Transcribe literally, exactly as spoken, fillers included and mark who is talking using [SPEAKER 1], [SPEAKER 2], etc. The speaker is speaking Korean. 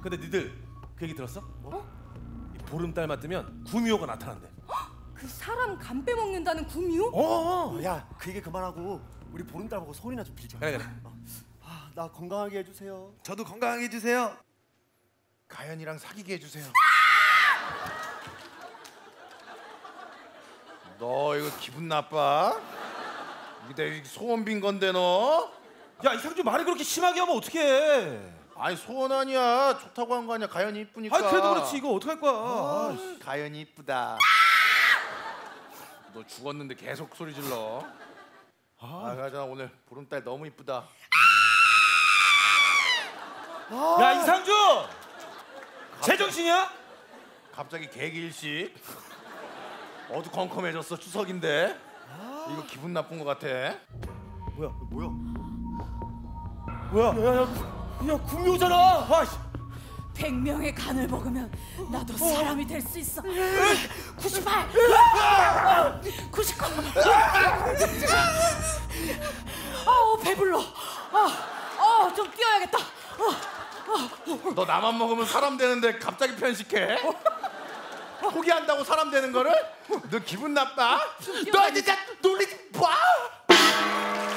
[SPEAKER 1] 근데 니들 그 얘기 들었어?
[SPEAKER 2] 뭐?
[SPEAKER 1] 이 보름달 맞으면 구미호가 나타난대.
[SPEAKER 2] 그 사람 간 빼먹는다는 구미호?
[SPEAKER 1] 어.
[SPEAKER 3] 어, 야, 그 얘기 그만하고 우리 보름달 보고 소원이나 좀 빌자.
[SPEAKER 1] 그래 그래.
[SPEAKER 3] 어. 아, 나 건강하게 해주세요.
[SPEAKER 4] 저도 건강하게 해주세요. 가연이랑 사귀게 해주세요. 너 이거 기분 나빠? 이게 내 소원 빈 건데 너?
[SPEAKER 1] 야 이상주 말을 그렇게 심하게 하면 어떡해?
[SPEAKER 4] 아니 소원 아니야. 좋다고 한 거 아니야. 가연이 이쁘니까.
[SPEAKER 1] 아 그래도 그렇지 이거 어떡할 거야?
[SPEAKER 4] 아, 가연이 이쁘다. 너 죽었는데 계속 소리 질러. 아, 가자 오늘 보름달 너무 이쁘다.
[SPEAKER 1] 야 이상주! 제정신이야?
[SPEAKER 4] 갑자기 개기일식. 어두컴컴해졌어. 추석인데. 이거 기분 나쁜 거 같아.
[SPEAKER 3] 뭐야, 뭐야?
[SPEAKER 1] 뭐야? 야야야, 야 구미호잖아. 아, 씨.
[SPEAKER 2] 백 명의 간을 먹으면 나도 사람이 될 수 있어. 구십팔, 구십구. 아우 배불러. 아, 어, 좀 뛰어야겠다. 어,
[SPEAKER 4] 너 나만 먹으면 사람 되는데 갑자기 편식해? 포기한다고 사람 되는 거를? 너 기분 나빠? 너 진짜 놀리지 마!